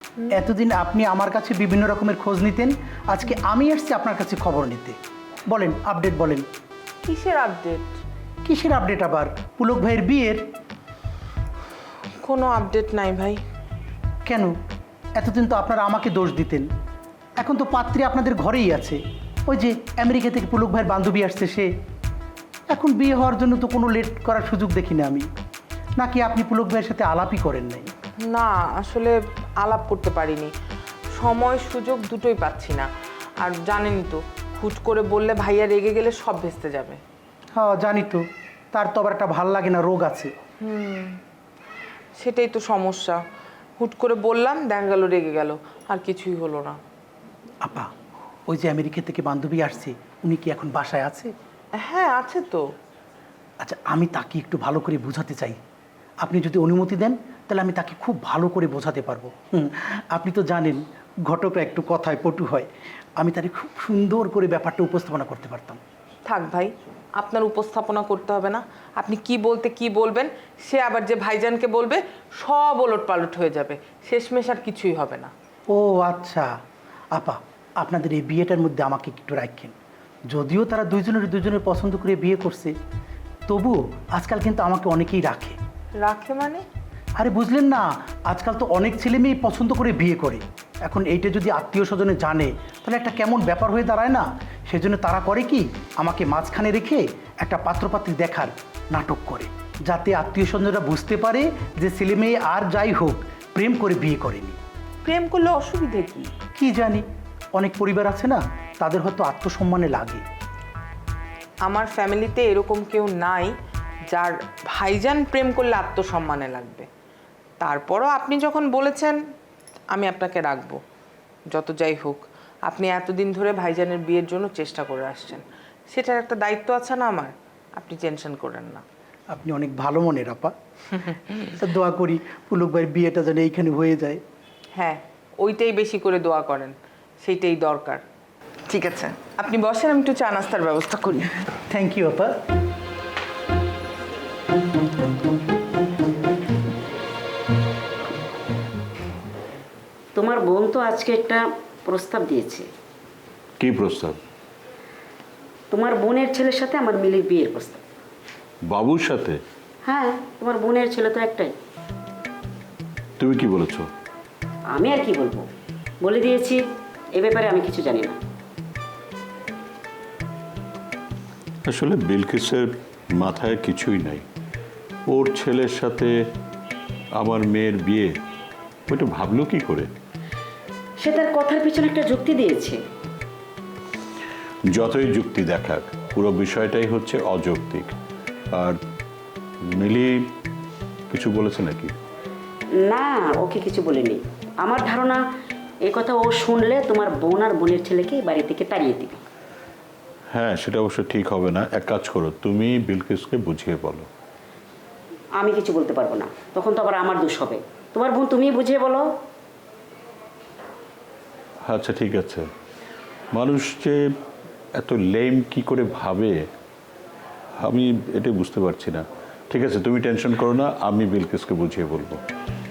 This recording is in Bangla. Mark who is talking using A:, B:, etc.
A: এতদিন আপনি আমার কাছে বিভিন্ন রকমের খোঁজ নিতেন, আজকে আমি আসছি আপনার কাছে খবর নিতে। বলেন, আপডেট বলেন।
B: কিসের আপডেট?
A: কিসের আপডেট আবার? পুলক ভাইয়ের বিয়ের।
B: কোনো আপডেট নাই ভাই।
A: কেন? এতদিন তো আপনারা আমাকে দোষ দিতেন, এখন তো পাত্রী আপনাদের ঘরেই আছে। ওই যে আমেরিকা থেকে পুলক ভাইয়ের বান্ধবী আসছে সে। এখন বিয়ে হওয়ার জন্য তো কোনো লেট করার সুযোগ দেখি না আমি। নাকি আপনি পুলক ভাইয়ের সাথে আলাপই করেন নাই?
B: না, আসলে আলাপ করতে পারিনি, সময় সুযোগ দুটোই পাচ্ছি না। আর জানেনই তো, হুট করে বললে ভাইয়া রেগে গেলে সব ভেস্তে যাবে।
A: হ্যাঁ জানি তো, তার তো আবার একটা ভাল লাগে না রোগ আছে।
B: সেটাই তো সমস্যা। হুট করে বললাম, দেখা গেল রেগে গেল, আর কিছুই হলো না।
A: আপা, ওই যে আমেরিকা থেকে বান্ধবী আসছে, উনি কি এখন বাসায় আছে?
B: হ্যাঁ, আছে তো।
A: আচ্ছা, আমি তাকে একটু ভালো করে বোঝাতে চাই। আপনি যদি অনুমতি দেন তাহলে আমি তাকে খুব ভালো করে বোঝাতে পারবো। আপনি তো জানেন ঘটকরা একটু কথায় পটু হয়, আমি তাকে খুব সুন্দর করে ব্যাপারটা উপস্থাপনা করতে পারতাম।
B: থাক ভাই, আপনার উপস্থাপনা করতে হবে না। আপনি কি বলতে কি বলবেন, সে আবার যে ভাইজানকে বলবে, সব ওলট পালট হয়ে যাবে, শেষমেশ আর কিছুই হবে না।
A: ও আচ্ছা আপা, আপনাদের এই বিয়েটার মধ্যে আমাকে একটু রাখেন। যদিও তারা দুজনের পছন্দ করে বিয়ে করছে, তবুও আজকাল কিন্তু আমাকে অনেকেই রাখে।
B: রাখে মানে?
A: আরে বুঝলেন না, আজকাল তো অনেক ছেলে মেয়ে পছন্দ করে বিয়ে করে। এখন এইটা যদি আত্মীয় স্বজনে জানে তাহলে একটা কেমন ব্যাপার হয়ে দাঁড়ায় না? সেজন্য তারা করে কি, আমাকে মাঝখানে রেখে একটা পাত্রপাত্রী দেখার নাটক করে, যাতে আত্মীয় স্বজনরা বুঝতে পারে যে ছেলে মেয়ে আর যাই হোক প্রেম করে বিয়ে করেনি।
B: প্রেম করলে অসুবিধে কি?
A: কি জানি, অনেক পরিবার আছে না, তাদের হয়তো আত্মসম্মানে লাগে।
B: আমার ফ্যামিলিতে এরকম কেউ নাই যার ভাইজান প্রেম করলে আত্মসম্মানে লাগবে। তারপরও আপনি যখন বলেছেন, আমি আপনাকে রাখবো। যত যাই হোক, আপনি এতদিন ধরে ভাইজানের বিয়ের জন্য চেষ্টা করে আসছেন, সেটার একটা দায়িত্ব আছে না আমার। আপনি টেনশন করেন না।
A: আপনি অনেক ভালো মনের আপা। তা দোয়া করি পুলক ভাইয়ের বিয়েটা যেন এইখানে হয়ে যায়।
B: হ্যাঁ, ওইটাই বেশি করে দোয়া করেন, সেইটাই দরকার। ঠিক আছে, আপনি বসেন, আমি একটু চা নাস্তার ব্যবস্থা করি।
A: থ্যাংক ইউ আপা।
C: তোমার বোন তো আজকে একটা প্রস্তাব দিয়েছে।
D: কি প্রস্তাব?
C: তোমার বোনের ছেলের সাথে আমার মিলির বিয়ের প্রস্তাব।
D: বাবুর সাথে?
C: হ্যাঁ, তোমার বোনের ছেলে তো একটাই।
D: তুমি কি বলেছো?
C: আমি আর কি বলবো, বলে দিয়েছি। এ ব্যাপারে আমি কিছু জানি না।
D: আসলে বিলকিসের মাথায় কিছুই নাই। ওর ছেলের সাথে আমার মেয়ের বিয়ে, ওইটা ভাবলো কি করে?
C: সে তার কথার পিছনে একটা যুক্তি দিয়েছে।
D: যতই যুক্তি দেখাক, পুরো বিষয়টাই হচ্ছে অযৌক্তিক। আর মিলি কিছু বলেছে নাকি?
C: না, ওকে কিছু বলেনি। আমার ধারণা এ কথা ও শুনলে তোমার বোন আর বোনের ছেলেকে বাড়ি থেকে তাড়িয়ে দিবে।
D: হ্যাঁ, সেটা অবশ্য ঠিক হবে না। এক কাজ করো, তুমি বিলকিসকে বুঝিয়ে বলো।
C: আমি কিছু বলতে পারবো না, তখন তো আবার আমার দোষ হবে। তোমার বোন তুমিই বুঝিয়ে বলো।
D: আচ্ছা ঠিক আছে। মানুষ যে এত লেম কি করে ভাবে, আমি এটা বুঝতে পারছি না। ঠিক আছে, তুমি টেনশন করো না, আমি বিলকিসকে বুঝিয়ে বলবো।